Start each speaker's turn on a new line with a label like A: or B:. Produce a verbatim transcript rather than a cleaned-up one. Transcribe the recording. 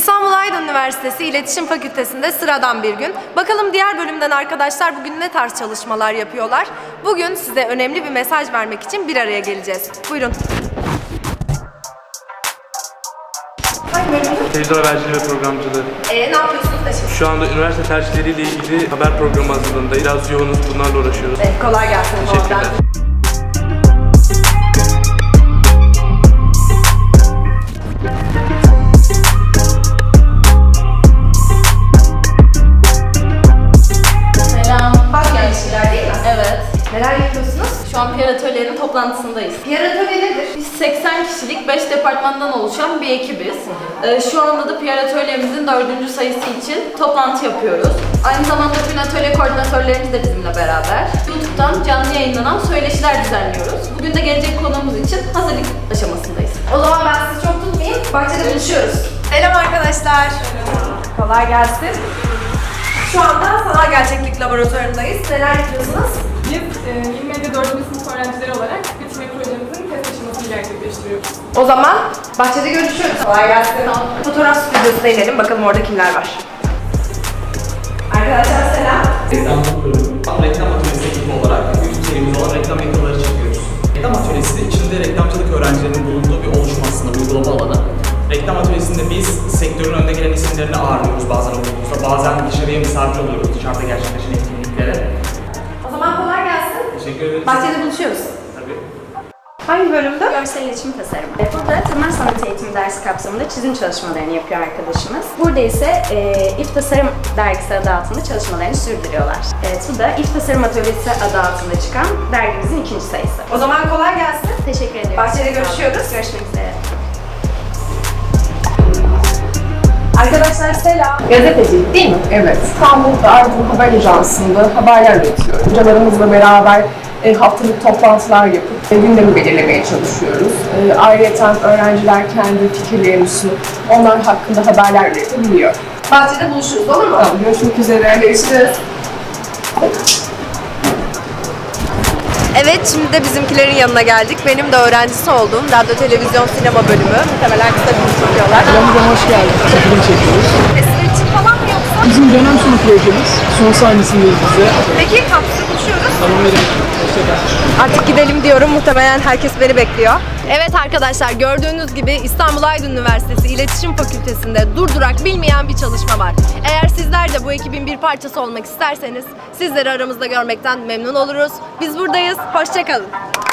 A: İstanbul Aydın Üniversitesi İletişim Fakültesi'nde sıradan bir gün. Bakalım diğer bölümden arkadaşlar bugün ne tarz çalışmalar yapıyorlar? Bugün size önemli bir mesaj vermek için bir araya geleceğiz. Buyurun. Hangi bölümde?
B: Televizyon haberciliği ve programcılığı.
A: Ee, ne yapıyorsunuz da şimdi?
B: Şu anda üniversite tercihleriyle ilgili haber programı hazırlığındayız. Biraz yoğunuz, bunlarla uğraşıyoruz.
A: Ee, kolay gelsin.
B: Teşekkürler.
A: Evet. Neler yapıyorsunuz?
C: Şu an P R Atölye'nin toplantısındayız.
A: P R atölye nedir?
C: Biz seksen kişilik beş departmandan oluşan bir ekibiz. Ee, şu anda da P R Atölye'mizin dördüncü sayısı için toplantı yapıyoruz. Aynı zamanda tüm atölye koordinatörlerimiz de bizimle beraber. YouTube'dan canlı yayınlanan söyleşiler düzenliyoruz. Bugün de gelecek konuğumuz için hazırlık aşamasındayız.
A: O zaman ben sizi çok tutmayayım. Bahçede buluşuyoruz. Selam arkadaşlar. Kolay gelsin. Şu anda sanal gerçeklik laboratuvarındayız. Neler yapıyorsunuz?
D: Biz e, İlmedya dördüncü sınıf öğrencileri olarak bitirme projemizin test aşamasını gerçekleştiriyoruz.
A: O zaman bahçede görüşürüz. Kolay gelsin. Fotoğraf stüdyosuna inelim. Bakalım orada kimler var. Arkadaşlar selam.
E: Reklamcılık bölümü. Reklam atölyesi ekibi olarak YouTube serimiz olan reklam yakaları çekiyoruz. Reklam atölyesi içinde reklamcılık öğrencilerinin bulunduğu bir oluşum aslında, uygulama alanı. Reklam atölyesinde biz sektörün önde gelen isimlerini ağırlıyoruz bazen okulumuzda, bazen dışarıya misafir oluyoruz dışarıda gerçekleşen etkinliklere.
A: O zaman kolay gelsin.
E: Teşekkür ederiz.
A: Bahçede buluşuyoruz.
E: Tabii.
A: Hangi bölümde?
F: Görsel iletişim tasarımı. Burada temel sanat eğitimi dersi kapsamında çizim çalışmalarını yapıyor arkadaşımız. Burada ise e, İF Tasarım dergisi adı altında çalışmalarını sürdürüyorlar. Evet, bu da İF Tasarım Atölyesi adı altında çıkan dergimizin ikinci sayısı.
A: O zaman kolay gelsin.
F: Teşekkür ediyoruz.
A: Bahçede görüşüyoruz.
F: Görüşmek üzere.
A: Arkadaşlar selam.
G: Gazetecilik değil mi? Evet. İstanbul'da Aydın Haber Ajansı'nda haberler üretiyorum. Hocalarımızla beraber e, haftalık toplantılar yapıp e, gündemi belirlemeye çalışıyoruz. E, ayrıca öğrenciler kendi fikirlerini sunup onlar hakkında haberler üretebiliyor.
A: Bahçede buluşuruz, olur mu?
G: Tamam, görüşmek üzere. Görüşürüz.
A: Evet, şimdi de bizimkilerin yanına geldik. Benim de öğrencisi olduğum radyo, televizyon, sinema bölümü. Muhtemelen kısa bir çekiyorlar.
H: Aramıza hoş geldiniz. Çekim çekiyoruz.
A: Festival için falan mı yoksa?
H: Bizim dönem sonu projemiz. Son sahnesindeyiz bize.
A: Peki, kampüste buluşuyoruz.
H: Tamam verin. Hoşçakal.
A: Artık gidelim diyorum. Muhtemelen herkes beni bekliyor. Evet arkadaşlar, gördüğünüz gibi İstanbul Aydın Üniversitesi İletişim Fakültesi'nde durdurak bilmeyen bir çalışma var. Eğer sizler de bu ekibin bir parçası olmak isterseniz sizleri aramızda görmekten memnun oluruz. Biz buradayız. Hoşça kalın.